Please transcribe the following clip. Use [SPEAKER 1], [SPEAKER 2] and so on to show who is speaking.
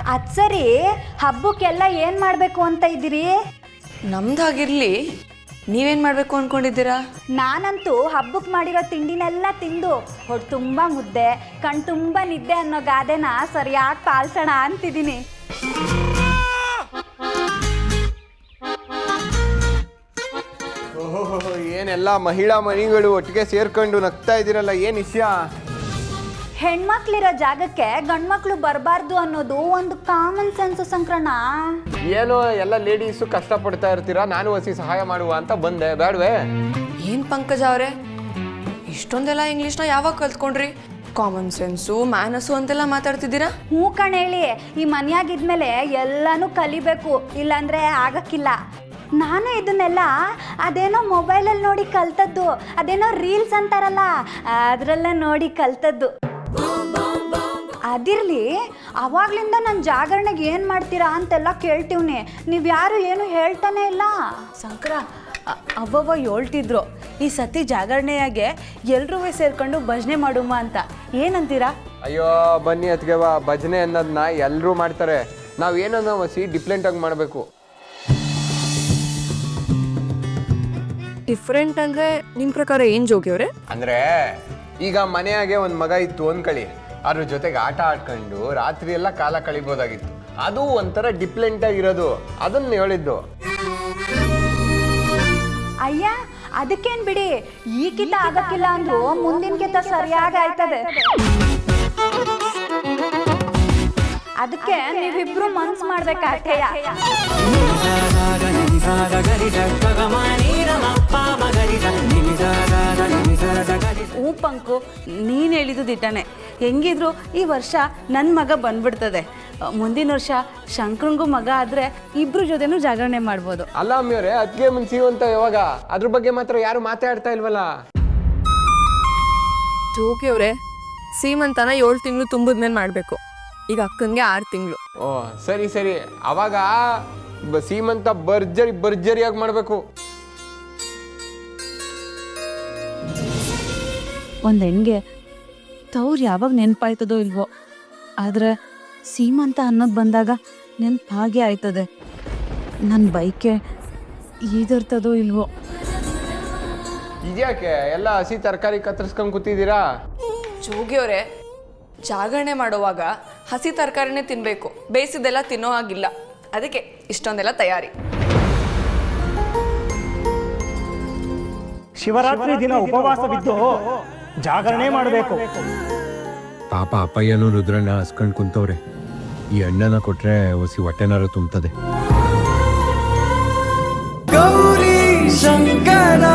[SPEAKER 1] ಅದು ಸರಿ, ಹಬ್ಬಕ್ಕೆಲ್ಲ ಏನು ಮಾಡಬೇಕು ಅಂತ ಇದ್ದೀರಿ?
[SPEAKER 2] ನಮ್ದಾಗಿರ್ಲಿ, ನೀವೇನು ಮಾಡಬೇಕು ಅಂದ್ಕೊಂಡಿದ್ದೀರಾ?
[SPEAKER 1] ನಾನಂತೂ ಹಬ್ಬಕ್ಕೆ ಮಾಡಿರೋ ತಿಂಡಿನೆಲ್ಲ ತಿಂದು ಹೊಟ್ಟೆ ತುಂಬ ಮುದ್ದೆ, ಕಣ್ ತುಂಬ ನಿದ್ದೆ ಅನ್ನೋ ಗಾದೆನ ಸರಿಯಾಗಿ ಪಾಲಿಸೋಣ ಅಂತಿದ್ದೀನಿ.
[SPEAKER 3] ಓಹೋ, ಏನೆಲ್ಲ ಮಹಿಳಾ ಮಣಿಗಳು ಒಟ್ಟಿಗೆ ಸೇರ್ಕೊಂಡು ನಗ್ತಾ ಇದ್ದೀರಲ್ಲ, ಏನು ವಿಷಯ?
[SPEAKER 1] ಹೆಣ್ಮಕ್ಳಿರೋ ಜಾಗಕ್ಕೆ ಗಂಡ್ಮಕ್ಳು ಬರಬಾರ್ದು ಅನ್ನೋದು ಒಂದು ಕಾಮನ್ ಸೆನ್ಸ್ ಸಂಕ್ರಣ.
[SPEAKER 3] ಏನೋ ಎಲ್ಲ ಲೇಡೀಸು ಕಷ್ಟಪಡ್ತಾ ಇರ್ತೀರಾ, ನಾನು ಹೊಸಿ ಸಹಾಯ ಮಾಡುವ ಅಂತ ಬಂದೆ, ಬೇಡವೇ?
[SPEAKER 2] ಏನು ಪಂಕಜ ಅವರೇ, ಇಷ್ಟೊಂದೆಲ್ಲ ಇಂಗ್ಲೀಷ್ನ ಯಾವಾಗ ಕಲ್ತ್ಕೊಂಡ್ರಿ? ಕಾಮನ್ ಸೆನ್ಸು ಮ್ಯಾನಸ್ಸು ಅಂತೆಲ್ಲ ಮಾತಾಡ್ತಿದ್ದೀರಾ?
[SPEAKER 1] ಹ್ಞೂ ಕಣೇಳಿ, ಈ ಮನೆಯಾಗಿದ್ಮೇಲೆ ಎಲ್ಲನೂ ಕಲಿಬೇಕು, ಇಲ್ಲಾಂದರೆ ಆಗಕ್ಕಿಲ್ಲ. ನಾನು ಇದನ್ನೆಲ್ಲ ಅದೇನೋ ಮೊಬೈಲಲ್ಲಿ ನೋಡಿ ಕಲ್ತದ್ದು, ಅದೇನೋ ರೀಲ್ಸ್ ಅಂತಾರಲ್ಲ ಅದರಲ್ಲೇ ನೋಡಿ ಕಲ್ತದ್ದು. ಅದಿರಲಿ, ಅವಾಗ್ಲಿಂದ ನನ್ನ ಜಾಗರಣೆಗೆ ಏನು ಮಾಡ್ತೀರಾ ಅಂತೆಲ್ಲ ಕೇಳ್ತೀವ್ನಿ, ನೀವು ಯಾರು ಏನು ಹೇಳ್ತಾನೆ ಇಲ್ಲ.
[SPEAKER 4] ಸಂಕ್ರ ಅವ್ವವ್ವ ಹೇಳ್ತಿದ್ರು, ಈ ಸತಿ ಜಾಗರಣೆಯಾಗೆ ಎಲ್ರೂ ಸೇರ್ಕೊಂಡು ಭಜನೆ ಮಾಡುಮ ಅಂತ. ಏನಂತೀರಾ?
[SPEAKER 3] ಅಯ್ಯೋ ಬನ್ನಿ ಅತ್ಗೆವ, ಭಜನೆ ಅನ್ನೋದನ್ನ ಎಲ್ಲರೂ ಮಾಡ್ತಾರೆ, ನಾವು ಏನನ್ನ ಹೊಸಿ ಡಿಫ್ರೆಂಟಾಗಿ ಮಾಡಬೇಕು.
[SPEAKER 2] ಡಿಫ್ರೆಂಟ್ ಅಂದರೆ ನಿಮ್ಮ ಪ್ರಕಾರ ಏನು ಜೋಗಿಯವ್ರೆ?
[SPEAKER 3] ಅಂದರೆ ಈಗ ಮನೆಯಾಗೆ ಒಂದು ಮಗ ಇತ್ತು ಅಂದ್ಕೊಳ್ಳಿ, ಅದ್ರ ಜೊತೆಗೆ ಆಟ ಆಡ್ಕೊಂಡು ರಾತ್ರಿ ಎಲ್ಲ ಕಾಲ ಕಳಿಬೋದಾಗಿತ್ತು, ಅದು ಒಂಥರ ಡಿಫ್ರೆಂಟಾಗಿರೋದು, ಅದನ್ನು ಹೇಳಿದ್ದು.
[SPEAKER 1] ಅಯ್ಯ, ಅದಕ್ಕೇನು ಬಿಡಿ, ಈ ಕಿತ ಆಗಕ್ಕಿಲ್ಲ ಅಂದ್ರು ಮುಂದಿನ ಕಿತ ಸರಿಯಾಗಿ ಆಯ್ತದೆ. ಅದಕ್ಕೆ ನೀವಿಬ್ರು ಮನ್ಸು ಮಾಡ್ಬೇಕಾಗ್ತೇಯ.
[SPEAKER 4] ಹ್ಞೂ ಪಂಕು, ನೀನು ಹೇಳಿದ್ದು ದಿಟ್ಟನೆ. ಹೆಂಗಿದ್ರು ಈ ವರ್ಷ ನನ್ನ ಮಗ ಬಂದ್ಬಿಡ್ತದೆ. ಮುಂದಿನ ವರ್ಷ ಶಂಕರಂಗೂ ಮಗ ಆದರೆ ಇಬ್ರು ಜೊತೆನೂ ಜಾಗರಣೆ ಮಾಡ್ಬೋದು.
[SPEAKER 3] ಅಲ್ಲ ಅಮ್ಮಿಯವರೇ, ಅದಕ್ಕೆ ಮುಂಚೆ ಅಂತ ಯಾವಾಗ ಅದ್ರ ಬಗ್ಗೆ ಮಾತ್ರ ಯಾರು ಮಾತಾಡ್ತಾ ಇಲ್ವಲ್ಲ?
[SPEAKER 2] ಜೋಗಿಯವ್ರೆ, ಸೀಮಂತನ 7 ತಿಂಗಳು ತುಂಬಿದ್ಮೇಲೆ ಮಾಡಬೇಕು. ಈಗ ಅಕ್ಕನಿಗೆ 6 ತಿಂಗಳು.
[SPEAKER 3] ಓ ಸರಿ ಸರಿ, ಅವಾಗ ಸೀಮಂತ ಭರ್ಜರಿಯಾಗಿ ಮಾಡಬೇಕು.
[SPEAKER 4] ಒಂದು ಹೆಣ್ಗೆ ತವ್ರು ಯಾವಾಗ ನೆನಪಾಯ್ತದೋ ಇಲ್ವೋ, ಆದರೆ ಸೀಮಂತ ಅನ್ನೋದು ಬಂದಾಗ ನೆನ್ಪು ಹಾಗೆ ಆಯ್ತದೆ. ನನ್ನ ಬೈಕೆ ಈದರ್ತದೋ ಇಲ್ವೋ.
[SPEAKER 3] ಇದ್ಯಾಕೆ ಎಲ್ಲ ಹಸಿ ತರಕಾರಿ ಕತ್ತರಿಸ್ಕೊಂಡು ಕೂತಿದ್ದೀರಾ?
[SPEAKER 2] ಜೋಗಿಯವ್ರೆ, ಜಾಗರಣೆ ಮಾಡುವಾಗ ಹಸಿ ತರಕಾರಿನೇ ತಿನ್ನಬೇಕು, ಬೇಯಿಸಿದೆಲ್ಲ ತಿನ್ನೋ ಹಾಗಿಲ್ಲ. ಅದಕ್ಕೆ ಇಷ್ಟೊಂದೆಲ್ಲ ತಯಾರಿ.
[SPEAKER 5] ಶಿವರಾತ್ರಿ ದಿನ ಉಪವಾಸವಿದ್ದು ಜಾಗರಣೆ ಮಾಡಬೇಕು.
[SPEAKER 6] ಪಾಪ ಅಪ್ಪಯ್ಯನು ರುದ್ರಣ್ಣ ಹಸ್ಕೊಂಡು ಕುಂತವ್ರೆ, ಈ ಹಣ್ಣನ್ನ ಕೊಟ್ರೆ ಹೊಸಿ ಹೊಟ್ಟೆನಾರು ತುಂಬ್ತದೆ.
[SPEAKER 7] ಗೌರಿ ಶಂಕರ